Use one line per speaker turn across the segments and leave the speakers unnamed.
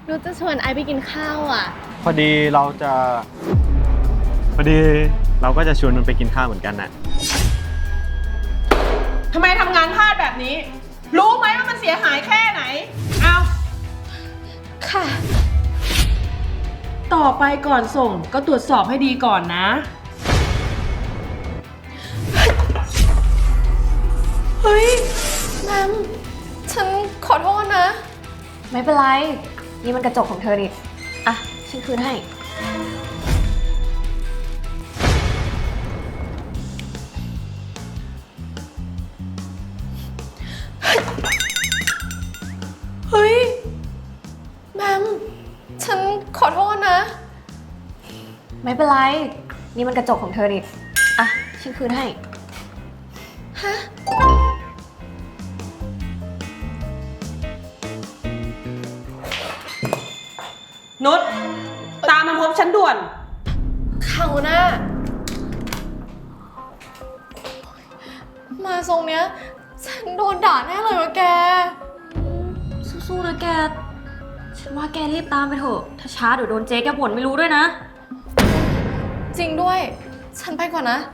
นุชจะชวนไอซ์ไปกินข้าวอ่ะ
พอดีเราก็จะชวนมันไปกินข้าวเหมือนกันนะ
ทำไมทำงานพลาดแบบนี้ รู้ไหมว่ามันเสียหายแค่ไหน เอา
ค่ะ
ต่อไปก่อนส่งก็ตรวจสอบให้ดีก่อนนะ
เฮ้ยแมมฉันขอโทษนะ
ไม่เป็นไร นี่มันกระจกของเธอดิอ่ะ ฉันคืนให้
เฮ้ยแมมฉันขอโทษนะ
ไม่เป็นไร นี่มันกระจกของเธอดิอ่ะ ฉันคืนให้
ฮะ
นุชตามมาพบฉันด่วน
เขาหน้า มาทรงเนี้ย ฉันโดนด่าแน่เลยวะแก
สู้ๆนะแก ฉันว่าแกรีบตามไปเถอะ ถ้าช้าเดี๋ยวโดนเจ๊แกบ่นไม่รู้ด้วยนะ
จริงด้วย ฉันไปก่อนนะ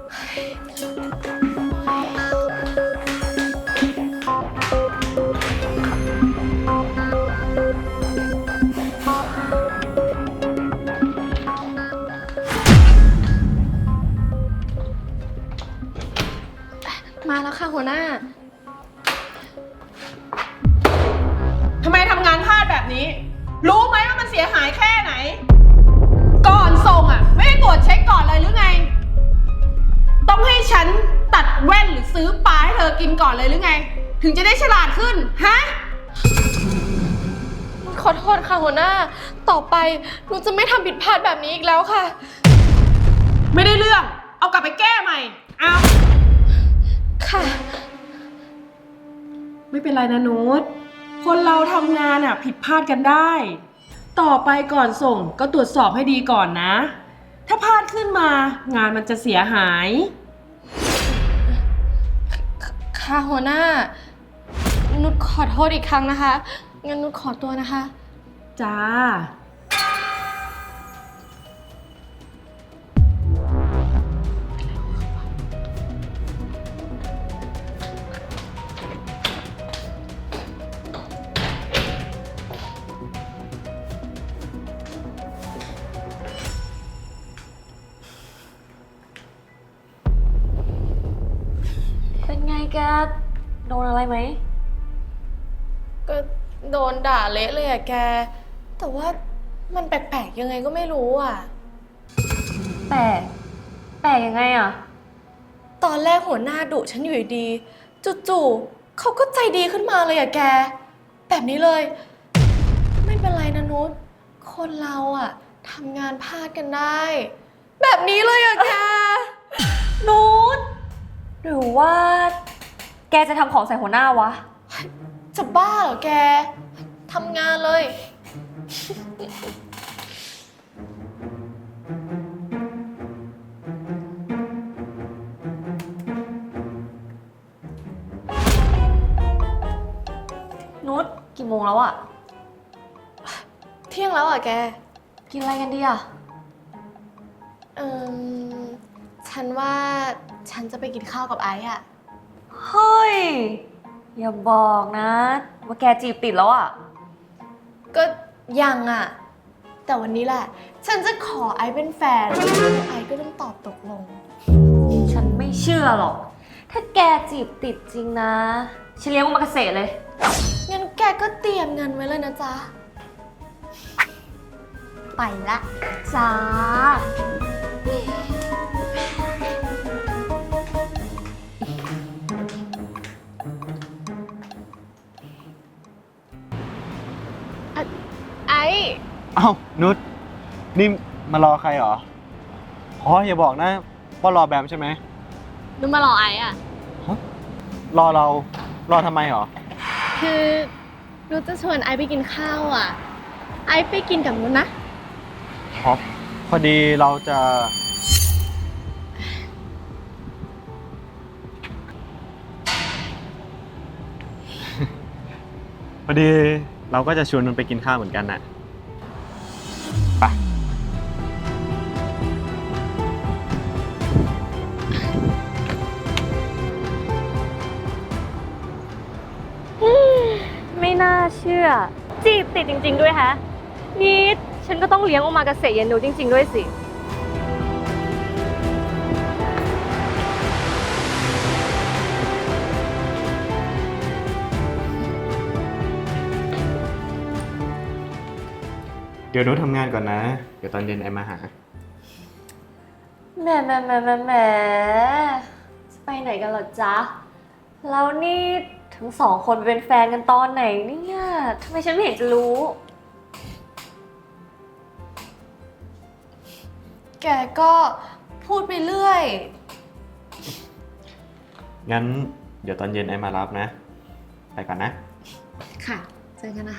มาแล้วค่ะหัวหน้า
ทำไมทำงานพลาดแบบนี้ รู้ไหมว่ามันเสียหายแค่ไหน ก่อนส่งอ่ะ ไม่ได้ตรวจเช็คก่อนเลยหรือไง ต้องให้ฉันตัดแว่นหรือซื้อปลาให้เธอกินก่อนเลยหรือไง ถึงจะได้ฉลาดขึ้น ฮะ
ขอโทษค่ะหัวหน้า ต่อไปหนูจะไม่ทำผิดพลาดแบบนี้อีกแล้วค่ะ
ไม่ได้เรื่อง เอากลับไปแก้ใหม่ เอา
ค่ะ
ไม่เป็นไรนะนุชคนเราทำงานอ่ะผิดพลาดกันได้ ต่อไปก่อนส่งก็ตรวจสอบให้ดีก่อนนะ ถ้าพลาดขึ้นมางานมันจะเสียหาย
ค่ะหัวหน้า นุชขอโทษอีกครั้งนะคะ งั้นนุชขอตัวนะคะ
จ้า
เป็นไงแก โดนอะไรไหม
ก็โดนด่าเละเลยอะแก แต่ว่ามันแปลกๆยังไงก็ไม่รู้อะ
แปลก แปลกยังไงอ่ะ
ตอนแรกหัวหน้าดุฉันอยู่ดีๆจู่ๆเขาก็ใจดีขึ้นมาเลยอะแก แบบนี้เลย ไม่เป็นไรนะนุชคนเราอะทำงานพลาดกันได้ แบบนี้เลยอะแก
นูดหรือว่า แกจะทำของใส่หัวหน้าวะ
จะบ้าเหรอแก ทำงานเลย
นุชกี่โมงแล้วอ่ะ
เที่ยงแล้วอ่ะแก
กินอะไรกันดีอ่ะ
เอ่มฉันว่าฉันจะไปกินข้าวกับไอซ์อ่ะ
เฮ้ย อย่าบอกนะ ว่าแกจีบติดแล้วอ่ะ
ก็ยังอ่ะ แต่วันนี้แหละ ฉันจะขอไอซ์เป็นแฟน ไอซ์ก็ต้องตอบตกลง
ฉันไม่เชื่อหรอก ถ้าแกจีบติดจริงนะ ฉันเลี้ยงมันมาเกษตรเลย
งั้นแกก็เตรียมเงินไว้เลยนะจ๊ะ ไปละจ้า ไอ้
เอ้านุชนี่มารอใครเหรออ๋ออย่าบอกนะว่ารอแบมใช่ไหม
นุมารอไอ้อ่ะ
รอเรารอทำไมเหรอ
คือนุชจะชวนไอซ์ไปกินข้าวอ่ะ ไอซ์ไปกินกับนุชนะ
พอดีเราจะ พอดีเราก็จะชวนนุชไปกินข้าวเหมือนกันน่ะไป
ไม่น่าเชื่อ จีบติดจริง ๆ ด้วยฮะ นี่ฉันก็ต้องเลี้ยงโอมากาเสะเย็นนูจริง ๆ ด้วยสิ
เดี๋ยวนุชทำงานก่อนนะ เดี๋ยวตอนเย็นไอมาหา
แหมจะไปไหนกันเหรอจ๊ะ แล้วนี่ทั้งสองคนเป็นแฟนกันตอนไหนเนี่ยทำไมฉันไม่เห็นจะรู้
แกก็พูดไปเรื่อย
งั้นเดี๋ยวตอนเย็นไอมารับนะ ไปก่อนนะ
ค่ะ เจอกันนะคะ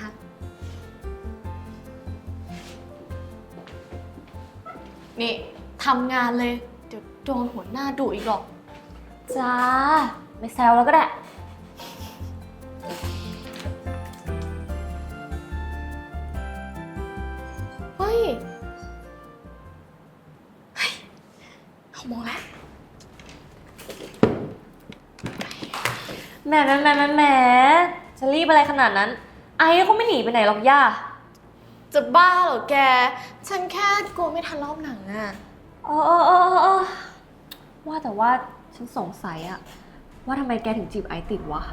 นี่ทำงานเลย เดี๋ยวโดนหัวหน้าดุอีกหรอก
จ้า ไม่แซวแล้วก็ได้
เฮ้ยเขามองแล้ว
แหมจะรีบอะไรขนาดนั้น ไอ้เขาไม่หนีไปไหนหรอกย่า
จะบ้าเหรอแก ฉันแค่กลัวไม่ทันรอบหนังอะ
เออว่าแต่ว่าฉันสงสัยอะว่าทำไมแกถึงจีบไอซ์ติดวะ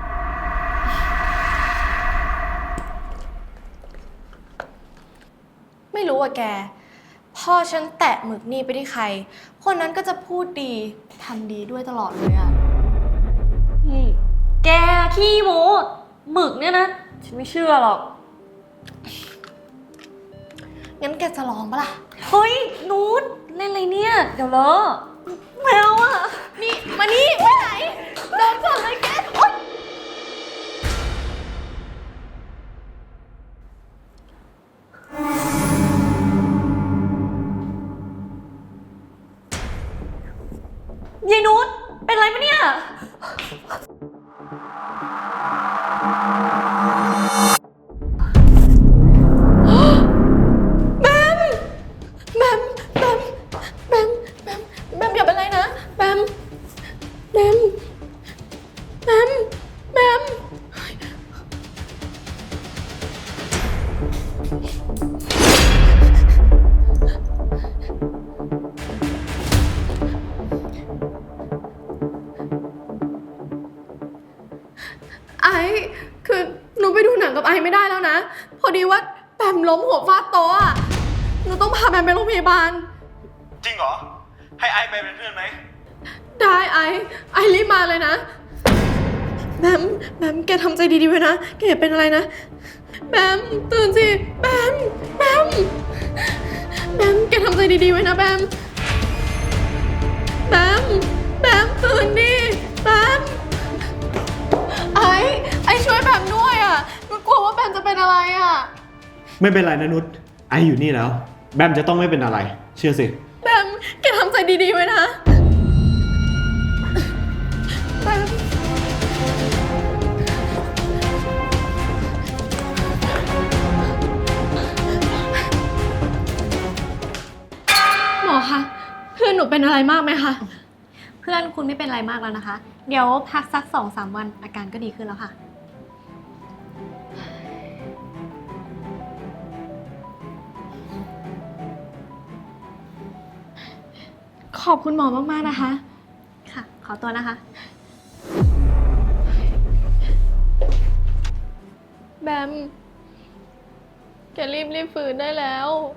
ไม่รู้อะแก พอฉันแตะหมึกนี่ไปที่ใคร คนนั้นก็จะพูดดี ทำดีด้วยตลอดเลยอะ
แกขี้โม้หมึกเนี่ยนะ ฉันไม่เชื่อหรอก
งั้นแกจะลองปะล่ะ
เฮ้ยนูตเล่นอะไรเนี่ย เดี๋ยวเลอะแมวอะ
นี่ มานี่ไปไหนโดนก่อนเลยแกโอ๊ย
ยายนูตเป็นไรปะเนี่ย
แบมแบมแบมแบมแบมแบมอย่าเป็นไรนะแบมแบมแบมแบมไอ้คือหนูไปดูหนังกับไอ้ไม่ได้แล้วนะ พอดีว่าแบมล้มหัวฟาดโต๊ะอะหนูต้องพาแบมไปโรงพยาบาล
จริงเหรอ ให้ไอไปเป็นเพื่อนไหม
ได้ไอ้รีบมาเลยนะแบมแกทำใจดีๆไว้นะแกอย่าเป็นอะไรนะแบมตื่นสิแบมแกทำใจดีๆไว้นะแบมตื่นดิแบมไอ้ช่วยแบมด้วยอ่ะหนูกลัวว่าแบมจะเป็นอะไรอ่ะ
ไม่เป็นไรนะนุช ไออยู่นี่แล้ว แบมจะต้องไม่เป็นอะไร เชื่อสิ
แบมแกทำใจดีๆไว้นะแบมหมอคะเพื่อนหนูเป็นอะไรมากไหมคะ
เพื่อนคุณไม่เป็นไรมากแล้วนะคะ เดี๋ยวพักสัก 2-3 วันอาการก็ดีขึ้นแล้วค่ะ
ขอบคุณหมอมากๆนะคะ
ค่ะ ขอตัวนะคะ
แบม แกรีบฟื้นได้แล้ว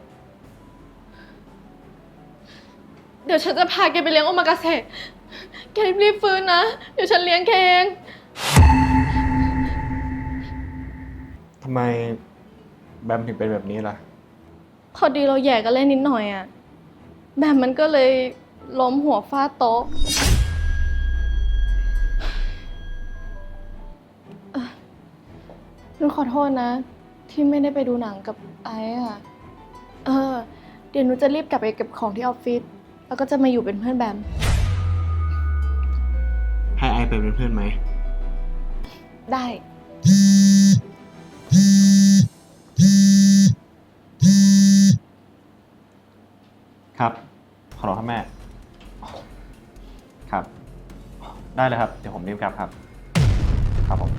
เดี๋ยวฉันจะพาแกไปเลี้ยงโอมากาเสะแกรีบฟื้นนะ เดี๋ยวฉันเลี้ยงแกเอง
ทำไมแบมถึงเป็นแบบนี้ล่ะ
พอดีเราแย่กันเล่นนิดหน่อยอะแบมมันก็เลยล้มหัวฟาดโต๊ะหนูขอโทษนะ ที่ไม่ได้ไปดูหนังกับไอ้อะเดี๋ยวหนูจะรีบกลับไปเก็บของที่ออฟฟิศแล้วก็จะมาอยู่เป็นเพื่อนแบม
ให้ไอไปเป็นเพื่อนไหม
ได้
ครับ ขอรอครับแม่ ครับ ได้เลยครับ เดี๋ยวผมรีบกลับครับ ครับผม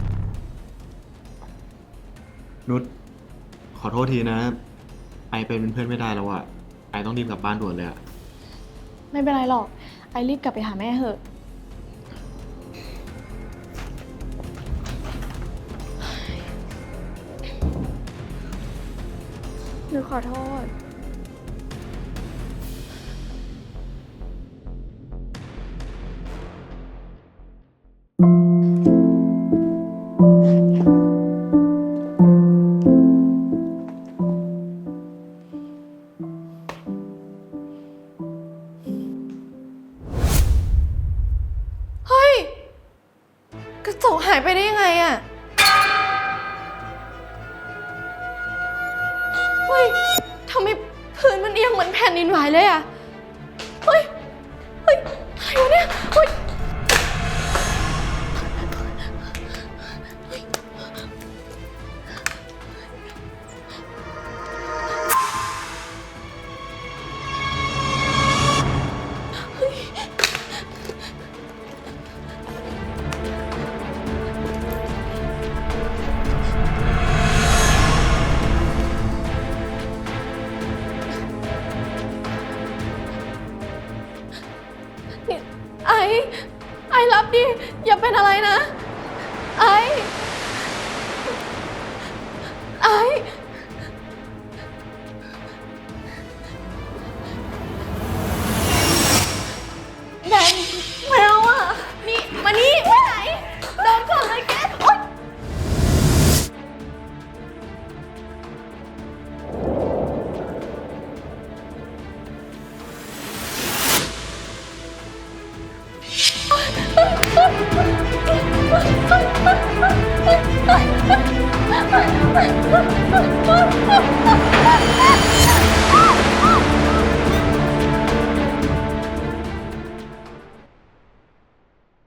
นุชขอโทษทีนะ ไอเป็นเพื่อนไม่ได้แล้วอะไอต้องรีบกลับบ้านด่วนเลยอะ
ไม่เป็นไรหรอก ไอรีบกลับไปหาแม่เถอะ หนูขอโทษ เฮ้ย กระจกหายไปได้ยังไงอะเฮ้ย ทำไมพื้นมันเอียงเหมือนแผ่นดินไหวเลยอะเฮ้ย เฮ้ย อะไรวะเนี่ย เฮ้ย นี่ไอรับดิ อย่าเป็นอะไรนะ ไอ